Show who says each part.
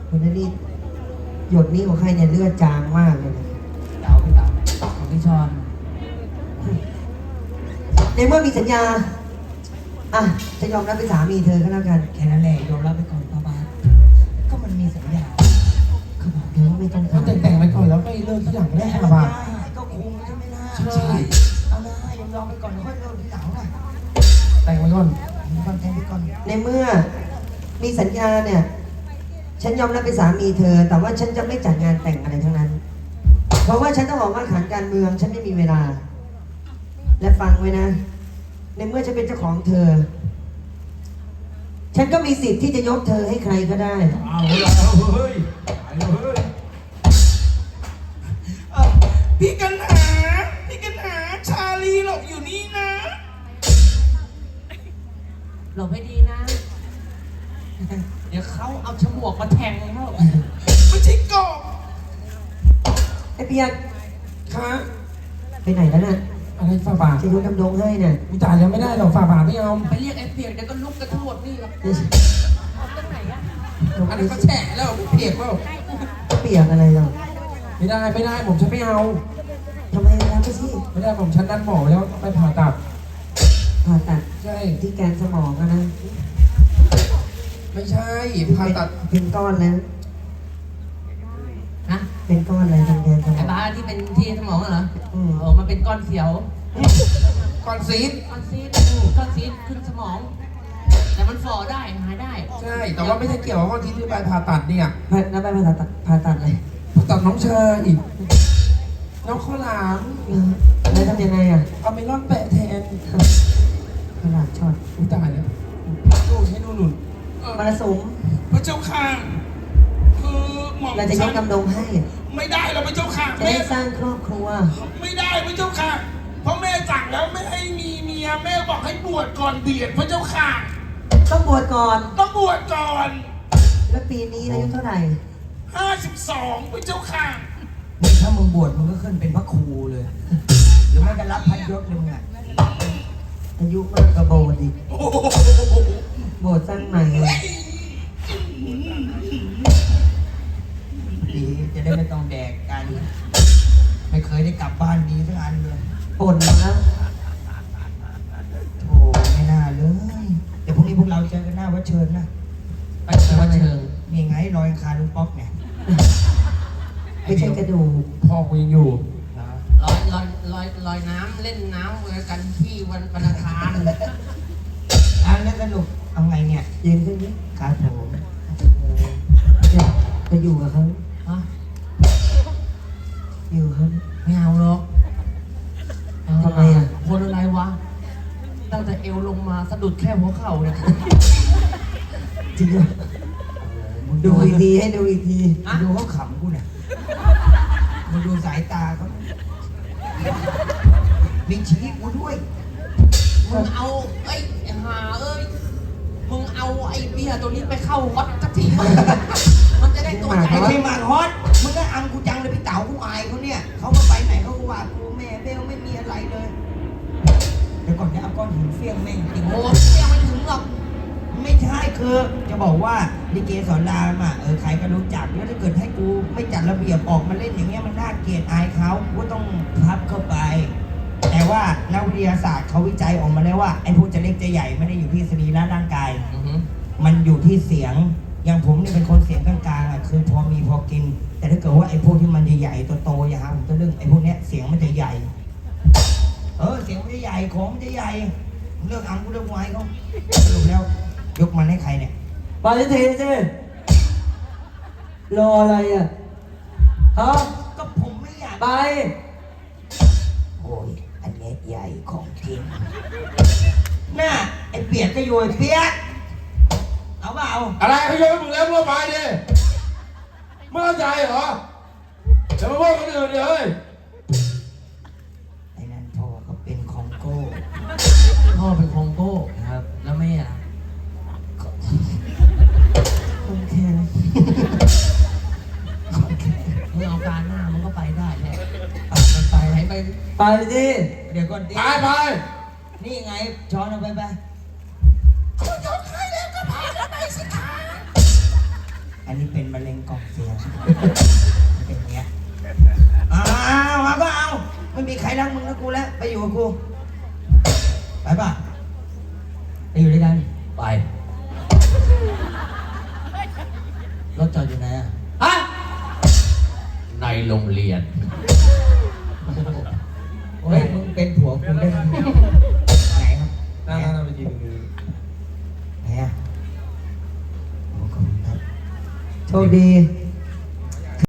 Speaker 1: คนนั้นนี่หยดนี้ของใครเนี่ยเลือดจางมากเลยนะ
Speaker 2: เต๋าพี่เต๋าของพี่ชอน
Speaker 1: ในเมื่อมีสัญญาอ่ะจะยอมรับเป็นสามีเธอก็แล้วกัน
Speaker 2: แค่นั้นแหละยอมรับไปก่อนป้าบาสก็มันมีสัญญา
Speaker 1: เขาบอกเธอว่าไม่ต้อง
Speaker 3: เขาแต่งไปก่อนแล้วไปเลิกที่หลังได้ค่ะบ่า
Speaker 2: ก็คงใช่ไหมล่ะ
Speaker 3: ใช่
Speaker 2: เอานะยอมไปก่อนค่อยเริ่มทีหลังนะ
Speaker 3: แต่งไปก่อน
Speaker 2: ก่อนแต่งไปก่อน
Speaker 1: ในเมื่อมีสัญญาเนี่ยฉันยอมรับเป็นสามีเธอ แต่ว่าฉันจะไม่จัดงานแต่งอะไรทั้งนั้น เพราะว่าฉันต้องออกมาขันการเมืองฉันไม่มีเวลา และฟังไว้นะ ในเมื่อฉันเป็นเจ้าของเธอ ฉันก็มีสิทธิ์ที่จะยกเธอให้ใครก็ได้
Speaker 3: เอาละเฮ้ยไปเลยเฮ้ย
Speaker 4: พี่กันหา พี่กันหา ชาลีหลบอยู่นี่นะ
Speaker 2: หลบให้ดีนะ เดี๋ยวเขาเอาฉมวกมาแทงเขา
Speaker 4: ไม่ใช่กบ
Speaker 1: ไอ้เปียก
Speaker 3: ค่ะ
Speaker 1: ไปไหนแล้วน่ะ
Speaker 3: อะไรฝ่าบาท
Speaker 1: จะยกดำดงให้น่ะ
Speaker 3: กูจ่ายยังไม่ได้หรอกฝ่าบาทไม่เอา
Speaker 2: ไปเรียกไอ้เปียกเดี๋ยวก็ลุกกันทั้งหมดนี่หรอก
Speaker 1: เดี๋ยว
Speaker 2: ตรงไหนอะ
Speaker 3: อันนั้นก็แฉะแล้วเปียกแล้ว
Speaker 1: เปียกอะไรหรอก
Speaker 3: ไม่ได้ผมฉันไม่เอา
Speaker 1: ทำไมรับไปสิ
Speaker 3: ไม่ได้ผมฉันนัดหมอไว้แล้วต้องไปผ่าตัด
Speaker 1: ผ่าตัด
Speaker 3: ใช่
Speaker 1: ที่แกนสมองอะนะ
Speaker 3: ไม่ใช่ผ่าตัด
Speaker 1: เป็นก้อนแล้ว
Speaker 2: ฮะ
Speaker 1: เป็นก้อนอะไรทางแกนสม
Speaker 2: ไอ้
Speaker 1: อง
Speaker 2: บ้าที่เป็นที่สมองเหรอ
Speaker 1: อืม
Speaker 2: มันเป็นก้อนเสียว
Speaker 3: ก่อนซีด
Speaker 2: ก้อนซีดก้อนซีดขึ้นสมอง แต่มันฝ่อได้หายได้
Speaker 3: ใช่แต่ว่าไม่ใช่เกี่ยวกับที่ไปผ่าตัดเนี่ย
Speaker 1: แล้วไปผ่าตัดเลย
Speaker 3: ผ่าตัดน้องเชยอีกน้องข้าวหลาม
Speaker 1: แล้วทำยังไงอ่ะ
Speaker 3: เอาเมลอนแปะแทน
Speaker 1: ขนาดช็อต
Speaker 3: อุ้ยตายแล้วดูให้ดูหนุน
Speaker 1: มรสุม
Speaker 4: พระเจ้าค่ะ คือหม่อม
Speaker 1: เราจะยกดำดงให้
Speaker 4: ไม่ได้แล้วพระเจ้าค่ะ
Speaker 1: จะ
Speaker 4: แม่
Speaker 1: ได้สร้างครอบครัว
Speaker 4: ไม่ได้พระเจ้าค่ะ เพราะแม่สั่งแล้วไม่ให้มีเมีย แม่บอกให้บวชก่อนเบียดพระเจ้าค่ะ
Speaker 1: ต้องบวชก่อน
Speaker 4: ต้องบวชก่อน
Speaker 1: แล้วปีนี้อายุเท่าไหร่
Speaker 4: 52พระเจ้าค่ะ
Speaker 2: นี่ถ้ามึงบวชมึงก็ขึ้นเป็นพระครูเลย หรือไม่ก็รับพันยศเลยมึงอ่ะ
Speaker 1: อายุมากกว่าโบสถ์อีก
Speaker 4: โอ้โห
Speaker 1: โบสถ์สร้างใหม่เลย
Speaker 2: ดีจะได้ไม่ต้องแดกกัน ไม่เคยได้กลับบ้านดีสักอันเลย
Speaker 1: ป่นมาแล้ว
Speaker 2: โอ้ไม่น่าเลย เดี๋ยวพรุ่งนี้พวกเราเจอกันหน้าวัดเชิญนะ
Speaker 1: ไปวัดเชิง
Speaker 2: นี่ไงรอยคาลุงป๊อกเนี่ย
Speaker 1: ไม่ใช่กระดูก
Speaker 3: พ่อกูยังอยู่
Speaker 2: ลอยน้ำเล่นน้ำกันที่วันอังคาร
Speaker 4: อันนี้สนุกเอาไงเนี่ย
Speaker 1: ยืนขึ้นนี้
Speaker 2: ครับผม
Speaker 1: จะไปอยู่กับเขา
Speaker 2: ฮะ
Speaker 1: อยู่กับเขา
Speaker 2: ไม่เอาหรอก
Speaker 1: ทำไมอ่ะ
Speaker 2: คนอะไรวะ ตั้งแต่เอวลงมาสะดุดแค่หัวเข่าเนี่ย
Speaker 1: จริงเหรอดูอีกทีให้ดูอีกที
Speaker 2: ดูเขาขำกูเนี่ยมึงดูสายตาเขามีชี้กูด้วย มึงเอาไอ้หาเอ้ย มึงเอาไอ้เบียร์ตัวนี้ไปเข้าวัดสักทีมันจะได้ตัวใหญ่
Speaker 4: ไอ้พี่หมากฮอตมึงก็อังกูจังเลยพี่เต๋ากูอายเขาเนี่ย เขาก็ไปไหนเขาก็ว่ากูแม่เบลไม่มีอะไรเลย เดี๋ยวก่อนจะเอาก้อนหินเฟี้ยงแม่งจริง
Speaker 2: โอ้เสียไม่ถึงหรอก
Speaker 4: ไม่ใช่คือจะบอกว่าลิเกสอนรามอ่ะใครก็รู้จักแล้วถ้าเกิดให้กูไม่จัดระเบียบออกมาเล่นอย่างเงี้ยมันน่าเกลียดอายเขากูก็ต้องพับเข้าไป แต่ว่านักวิทยาศาสตร์เขาวิจัยออกมาแล้วว่าไอ้พวกจะเล็กจะใหญ่ไม่ได้อยู่ที่สรีระร่างกาย มันอยู่ที่เสียง อย่างผมเนี่ยเป็นคนเสียงกลางๆอ่ะคือพอมีพอกิน แต่ถ้าเกิดว่าไอ้พวกที่มันใหญ่ๆโตๆอย่าหาผมจะเรื่องไอ้พวกเนี้ยเสียงมันจะใหญ่ เสียงมันจะใหญ่ของมันจะใหญ่เลือกอังกูเลือกไว้เขาสรุปแล้วยกมันให้ใครเนี่ย
Speaker 1: ไปทีสิรออะไรอ่ะฮะ
Speaker 4: ก็ผมไม่อยาก
Speaker 1: ไป
Speaker 4: โอ้ยอันเนี้ยใหญ่ของจริงน่าไอ้เปียกก็อยู่ไอ้เปียกเอาเปล่า
Speaker 3: อะไรเขาโยนให้มึงแล้วร่วมไปดิไม่เข้าใจเหรอจะมาว่าคนอื่นดิเฮ้ย
Speaker 4: ไอ้นั่นพ่อเขาเป็นของโก้
Speaker 2: พ่อเป็นคองโก้ครับ แล้วแม่อะ
Speaker 1: คนแค่
Speaker 2: มึงเอาการหน้ามึงก็ไปได้แหละมันไปไหนไป
Speaker 1: ไปสิ
Speaker 4: เดี๋ยวก่อนดิ
Speaker 3: ไป
Speaker 4: นี่ไงช้อนเอาไปคุณยกให้แล้วก็พากันไปสิคะไอันนี้เป็นมะเร็งกล่องเสียงเป็นอย่างเงี้ยเอาก็เอาไม่มีใครรักมึงนะกูแล้วไปอยู่กับกูไปป่ะไปอยู่ด้วยกัน
Speaker 2: ไป
Speaker 4: รถจอดอยู่ไหนอ่ะ
Speaker 2: ฮะในโรงเรียน
Speaker 4: โอ้ยมึงเป็นผัวกูได้ไหมไหนครับ
Speaker 3: นั่งไปทีนึง
Speaker 4: ไหนอ่ะโอ้ขอบคุณครับ
Speaker 1: โชคดี